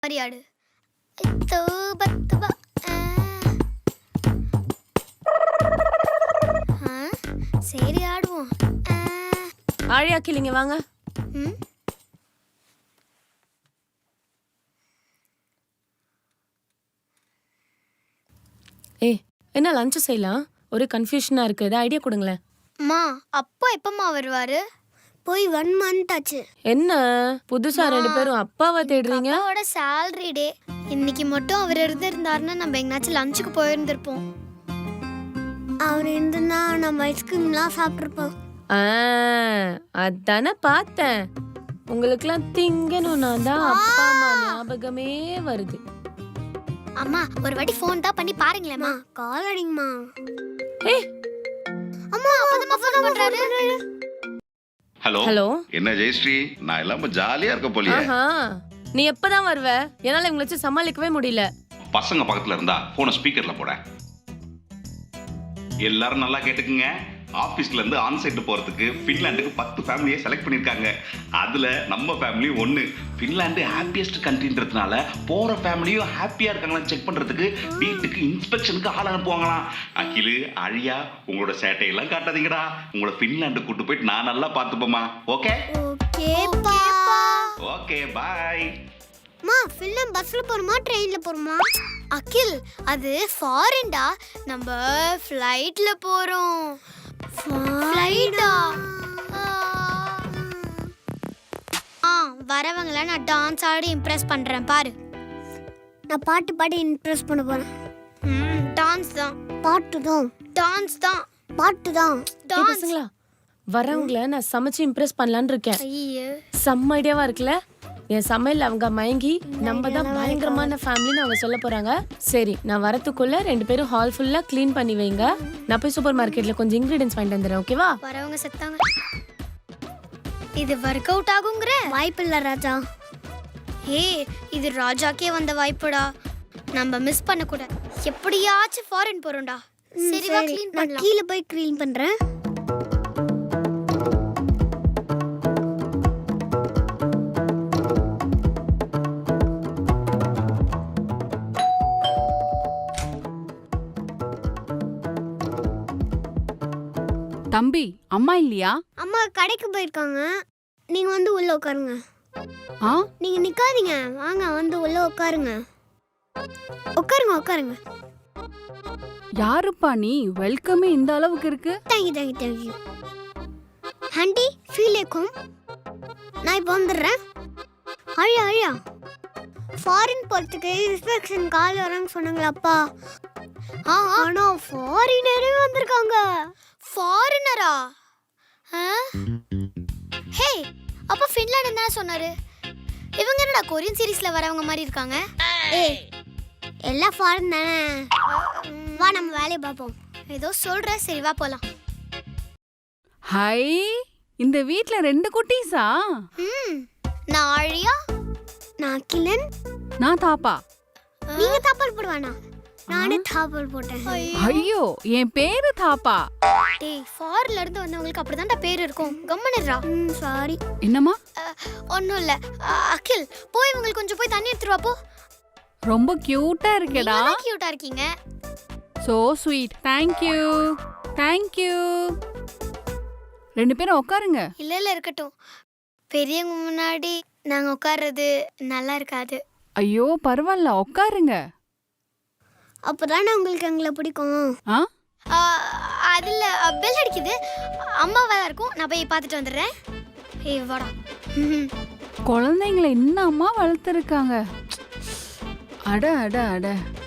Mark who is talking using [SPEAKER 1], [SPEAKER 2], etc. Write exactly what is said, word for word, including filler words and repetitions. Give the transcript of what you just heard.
[SPEAKER 1] மாதிரி ஆடு. தூப தூப. ஆ, சரி ஆடுவோம்.
[SPEAKER 2] ஆழியா கிளிங்க வாங்க.
[SPEAKER 1] ம்
[SPEAKER 2] ஏய் என்ன லஞ்ச் செய்யலாம்? ஒரு கன்ஃபியூஷனா இருக்கு. ஏதாவது ஐடியா கொடுங்களேன்.
[SPEAKER 1] அம்மா அப்பா எப்பம்மா வருவாரு? போய் ஒன் மந்த் ஆச்சு.
[SPEAKER 2] என்ன புதுசா ரெண்டு பேரும் அப்பாவை தேடுறீங்க?
[SPEAKER 1] அப்பாவோட salary டே. இன்னைக்கு மட்டும் அவர் இருந்திருந்தாருன்னா நம்ம எங்கனாச்சும் லஞ்சுக்கு போயிருந்திருப்போம். அவர் இருந்திருந்தா நம்ம ஐஸ்கிரீம்லாம் சாப்பிட்ருப்போம்.
[SPEAKER 2] ஆ அதானே பார்த்தேன். உங்களுக்குலாம் திங்கணும்னா தான் அப்பா அம்மா ஞாபகமே வருது.
[SPEAKER 1] அம்மா ஒரு வாட்டி ஃபோன் தான் பண்ணி பாருங்களேம்மா. கால் அடிங்கம்மா.
[SPEAKER 2] ஏய்
[SPEAKER 1] அம்மா அப்பதம்மா ஃபோன் பண்றாரு.
[SPEAKER 3] ஹலோ
[SPEAKER 2] ஹலோ
[SPEAKER 3] என்ன ஜெயஸ்ரீ, நான் எல்லாம் ஜாலியா இருக்க போலியே.
[SPEAKER 2] ஆஹா நீ எப்பதான் வருவ? என்னால இவங்களை வச்சு சமாளிக்கவே முடியல.
[SPEAKER 3] பசங்க பக்கத்துல இருந்தா போன ஸ்பீக்கர்ல போட. எல்லாரும் நல்லா கேட்டுக்குங்க. ஆபீஸ்ல இருந்து ஆன்சைட் போறதுக்கு பின்லாந்துக்கு பத்து ஃபேமிலியை செலக்ட் பண்ணிருக்காங்க. அதுல நம்ம ஃபேமிலி ஒன்னு. பின்லாந்து ஹாப்பியஸ்ட் கண்ட்ரின்றதுனால போற ஃபேமிலியும் ஹாப்பியா இருக்காங்களா செக் பண்றதுக்கு வீட்டுக்கு இன்ஸ்பெக்ஷனுக்கு ஆள் அனுப்புவாங்களாம். அகிலு அழியா உங்களோட சேட்டையெல்லாம் காட்டாதீங்கடா. உங்களோட பின்லாந்து கூட்டு போயிட்டு நான் நல்லா பார்த்துப்போமா. ஓகே
[SPEAKER 1] ஓகேப்பா.
[SPEAKER 3] Okay bye.
[SPEAKER 1] மா ஃபில்லம் பஸ்ல போறோமா ட்ரெயின்ல போறோமா? அகில் அது ஃபாரின்டா. நம்ம ஃளைட்ல போறோம். ஃளைட்டா? ஆ வரவங்கள நான் டான்ஸ் ஆடி இம்ப்ரெஸ் பண்றேன் பாரு. நான் பாட்டு பாடி இம்ப்ரெஸ் பண்ண போறேன். ம் டான்ஸ் தான். பாட்டு தான். டான்ஸ் தான். பாட்டு தான். டான்ஸ்.
[SPEAKER 2] பசங்களா வரவங்கள நான் சமைச்சு இம்ப்ரெஸ் பண்ணலான்னு இருக்கேன்.
[SPEAKER 1] ஐயோ
[SPEAKER 2] செம்ம ஐடியாவா இருக்குல்ல? என் சமையல் அவங்க மயங்கி நம்ம தான் பயங்கரமான ஃபேமிலின்னு அவங்க சொல்ல போறாங்க. சரி நான் வரத்துக்குள்ள ரெண்டு பேரும் ஹால் ஃபுல்லா க்ளீன் பண்ணி வைங்க. நான் போய் சூப்பர் மார்க்கெட்ல கொஞ்சம் இன்கிரிடியன்ஸ் வாங்கிட்டு வந்துடுறேன். ஓகேவா?
[SPEAKER 1] வரவங்க செத்தாங்க. இது வொர்க் அவுட் ஆகுங்கற வாய்ப்பு இல்ல ராஜா. ஹே இது ராஜாக்கே வந்த வாய்ப்புடா. நம்ம மிஸ் பண்ண கூட. எப்படியாச்சும் ஃபாரின் போறோம்டா. சரி வா க்ளீன் பண்ணலாம். கீழ போய் க்ளீன் பண்றேன்.
[SPEAKER 4] தம்பி அம்மா இல்லையா?
[SPEAKER 1] அம்மா கடைக்கு போயிருக்காங்க. நீங்க வந்து உள்ள உட்காருங்க.
[SPEAKER 4] ஆ
[SPEAKER 1] நீங்க நிக்காதீங்க, வாங்க வந்து உள்ள உட்காருங்க. உட்காருங்க உட்காருங்க.
[SPEAKER 4] யாருப்பா நீ? வெல்கமே இந்த அளவுக்கு இருக்கு.
[SPEAKER 1] Thank you thank you thank you. Aunty feel ஏக்கும். நான் இப்போ வந்துடுறேன். அழியா அழியா ஃபாரின் போகிறதுக்கு இன்ஸ்பெக்ஷன் கால் வரேன்னு சொன்னாங்களாப்பா. ஆ ஆனா ஃபாரினரே வந்திருக்காங்க. ஃபாரினரா? ஹே அப்ப ஃபின்லாண்ட் என்ன சொன்னாரு? இவங்க என்னடா கொரியன் சீரிஸ்ல வரவங்க மாதிரி இருக்காங்க? ஏய் எல்லாம் ஃபாரின் தானே. வா நம்ம வேலையை பார்ப்போம். ஏதோ சொல்ற. சரி வா போலாம்.
[SPEAKER 4] ஹை இந்த வீட்ல ரெண்டு குட்டீஸா?
[SPEAKER 1] ம் நான் ஆழியா. நான் கிளன்.
[SPEAKER 4] நான் தாப்பா.
[SPEAKER 1] நீங்க தாப்பல் போடுவானா? நானே தாப்பல் போட்டேன்.
[SPEAKER 4] ஐயோ என் பேரு தாப்பா.
[SPEAKER 1] டேய் ஃபாரின்ல இருந்து வந்தவங்களுக்கு அப்படிதான்டா பேர் இருக்கும். கம்மனறா. ம் சாரி.
[SPEAKER 4] என்னம்மா?
[SPEAKER 1] ஒண்ணும் இல்ல. அகில் போய் உங்களுக்கு கொஞ்சம் போய் தண்ணி எடுத்துட்டு வா போ.
[SPEAKER 4] ரொம்ப கியூட்டா இருக்கேடா.
[SPEAKER 1] நீங்க கியூட்டா இருக்கீங்க.
[SPEAKER 4] So sweet. Thank you. Thank you. ரெண்டு பேரும் உட்காருங்க.
[SPEAKER 1] இல்ல இல்ல இருக்கட்டும். பெரியவங்க முன்னாடி நாங்க உட்கார்றது நல்லா இருக்காது.
[SPEAKER 4] ஐயோ பரவாயில்ல உட்காருங்க.
[SPEAKER 1] அப்பதானே உங்களுக்கு எங்களை பிடிக்கும்.
[SPEAKER 4] ஆ
[SPEAKER 1] அதில் பெல் அடிக்குது. அம்மாவா இருக்கும். நான் போய் பார்த்துட்டு வந்துடுறேன். ஏய் வாடா.
[SPEAKER 4] குழந்தைங்களை இன்னும் அம்மா வளர்த்துருக்காங்க. அட அட அட